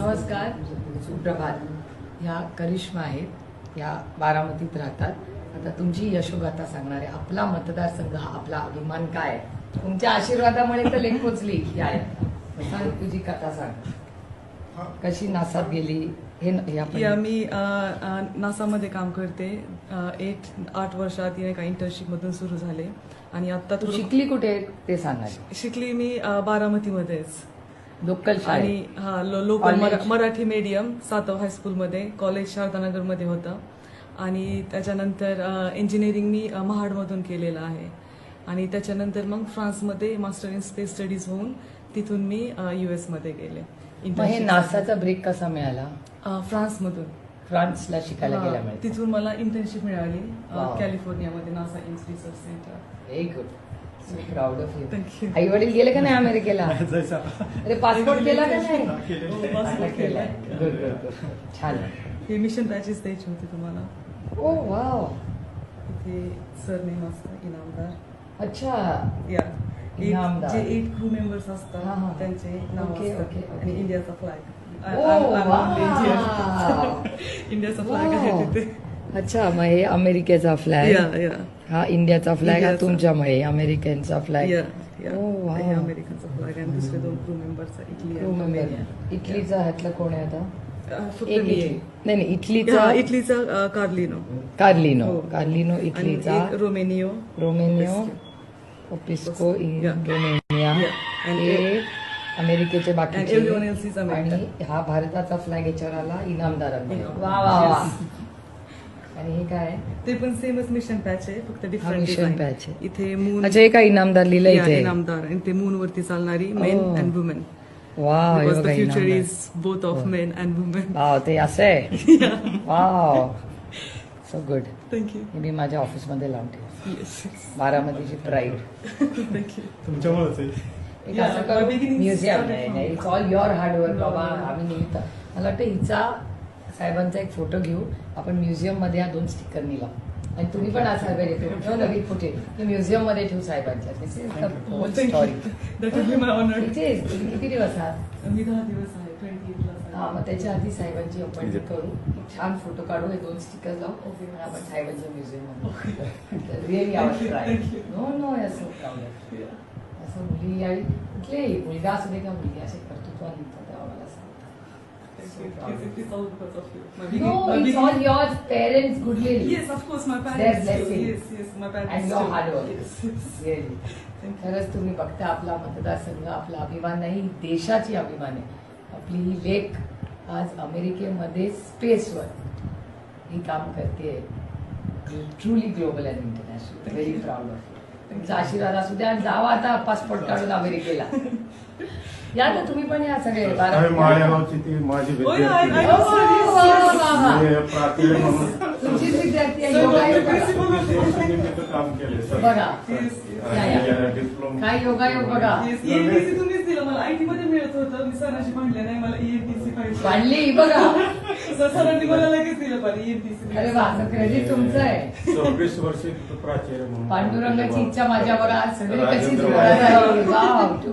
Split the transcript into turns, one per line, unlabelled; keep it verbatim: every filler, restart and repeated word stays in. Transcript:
नमस्कार, सुप्रभात. ह्या करिश्मा आहेत, ह्या बारामतीत राहतात. आता तुमची यशोगाथा सांगणार आहे. आपला मतदारसंघ हा आपला अभिमान काय आहे? तुमच्या आशीर्वादामुळे तर लेख पोचली. या सांग, तुझी कथा सांग. कशी नासात गेली हे न- हे आपण
या मी अ, अ, नासामध्ये काम करते. अ, एट आठ वर्षात तिने काही इंटर्नशिप मधून सुरू झाले आणि आता
तू शिकली कुठे ते सांगणार.
शिकली मी अ, बारामतीमध्येच
लोकल
आणि
शाळेत
हा लो- लोकल
College?
मरा- मराठी मीडियम सातव हायस्कूलमध्ये, कॉलेज शारदानगरमध्ये होतं आणि त्याच्यानंतर इंजिनिअरिंग मी अ, महाडमधून केलेलं आहे आणि त्याच्यानंतर मग फ्रान्समध्ये मास्टर इन स्पेस स्टडीज होऊन तिथून मी युएस मध्ये गेले.
मग हे
internship
नासाचा ब्रेक कसा मिळाला?
अ, फ्रान्समधून
फ्रान्सला शिकायला
हा,
गेल्यामुळे.
तिथून मला इंटर्नशिप मिळाली अ,
Wow.
कॅलिफोर्नियामध्ये NASA Ames research centre.
Very good. So proud of you.
Thank you.
आई वडील गेले का नाही अमेरिकेला?
जायचा.
अरे पासपोर्ट केला का नाही?
हो, passport
आता
केलाय.
केलाय. Good, good, good. छान.
हे मिशन बॅचेस द्यायची होती तुम्हाला.
ओ वाव.
इथे सरनेम असतं इनामदार.
अच्छा.
या
इनामदार.
जे एट क्रू मेंबर्स
हा,
असतात
हा.
त्यांचे नाव
Okay,
असतात
okay, okay.
आणि इंडियाचा फ्लॅग.
Oh wow.
इंडियाचा फ्लॅग आहे तिथे.
अच्छा, मग हे अमेरिकेचा फ्लॅग,
या या
हा इंडियाचा फ्लॅग, हा
इंडियाचा.
तुमच्यामुळे अमेरिकनचा फ्लॅग.
या या
ओ, wow.
हे अमेरिकनचा फ्लॅग आहे आणि दुसरे दोन क्रू मेंबर्स इटली आणि रोमेनिया.
इटलीचा ह्यातला कोण आहे आता?
अ, फक्त
एक
मी
इटली.
आहे.
नाही नाही, इटलीचा
हा, इटलीचा अ, कार्लिनो
कार्लिनो.
हो.
कार्लिनो
आणि
इटलीचा.
एक रोमेनियो.
रोमेनियो ओपिस्को इन
Yeah.
रोमेनिया.
Yeah. And
हे अमेरिकेचे
And
बाकीचे.
everyone else is American.
आणि हा भारताचा फ्लॅग याच्यावर आला इनामदारांमध्ये.
इनामदार.
वा वा वा.
Yes.
आणि हे काय आहे?
ते पण सेमच मिशन पॅच आहे, फक्त डिफरंट
mission patch आहे.
इथे मून
अच्छा, हे काय इनामदार लिहिलं इथे?
इनामदार आणि ते मून वरती चालणारी men
Oh.
And women.
Wow, हे
बिकॉज द
बघा
future
Inamdar.
Is both of men and women.
Wow, ते असं आहे. Wow, so good.
थँक्यू.
हे मी माझ्या ऑफिसमध्ये लावून ठेव.
येस
बारामतीची प्राईड.
थँक्यू.
तुमच्यामुळेच आहे.
एक
Yeah,
असं करू,
my beginning
म्युझियम
started
नाही
from-
नाही, it's all your hard work
No,
बाबा.
no.
आम्ही निमित्त मला वाटतं हिचा साहेबांचा एक फोटो घेऊ आपण म्युझियम मध्ये, हा दोन स्टिकर निला आणि तुम्ही पण आज साहेब येतो नवीन फुटे म्युझियम मध्ये ठेवू साहेबांच्या. This is the whole story.
That will be my honour.
किती दिवस आहात?
मी दहा दिवस आहे, ट्वेंटी एट
हा, मग त्याच्या आधी साहेबांची अपॉइंटमेंट करू, एक छान फोटो काढू, हे दोन स्टिकर लावू
Okay.
आणि आपण साहेबांच्या म्युझियम मध्ये. Really our try. No no, असं प्राऊड. असं मुली आणि कुठलेही मुलगा असू दे का मुलगी, असे कर्तृत्वान निघतात तेव्हा मला No, it's all your parents' goodwill.
Yes, of course, my
Their
parents.
blessing.
Yes, yes, my parents.
And your
too.
hard work.
Yes, yes.
Really.
Thank you.
खरंच तुम्ही बघता, आपला मतदारसंघ आपला अभिमान नाही, देशाची अभिमान आहे. आपली ही लेक आज अमेरिकेमध्ये स्पेसवर ही काम करते. Truly global and international. Very proud of you. तुमचा आशीर्वाद असू द्या आणि जावा आता पासपोर्ट काढून अमेरिकेला. या तर तुम्ही पण या सगळे.
आम्ही माळेगावची ती माझी
Oh, yeah, I- I
विद्यार्थी.
know, sir. Yes, yes.
वा, वा.
मी प्राचार्य म्हणून
तुमचीच विद्यार्थी आहे.
Sir,
योगायोग बघा.
principal of-
देशनिमित्त काम केले सर.
बघा.
Yes, yes.
या, या.
आणि डिप्लोमा.
काय योगायोग बघा.
Yes, E N T C तुम्हीच दिलं मला. आय टी मध्ये मिळत होतं, मी सरांशी भांडले नाही, मला E N T C पाहिजे.
वाढली बघा.
सर सरांनी मला लगेच दिलं पाहिजे E N T C.
अरे वा, क्रेडिट तुमचं आहे.
सव्वीस वर्षी प्राचार्य म्हणून
पांडुरंगाची इच्छा माझ्या बघा, सगळी कशी
राजेंद्र
जुळवायला
वाडे.
लागली. वाव.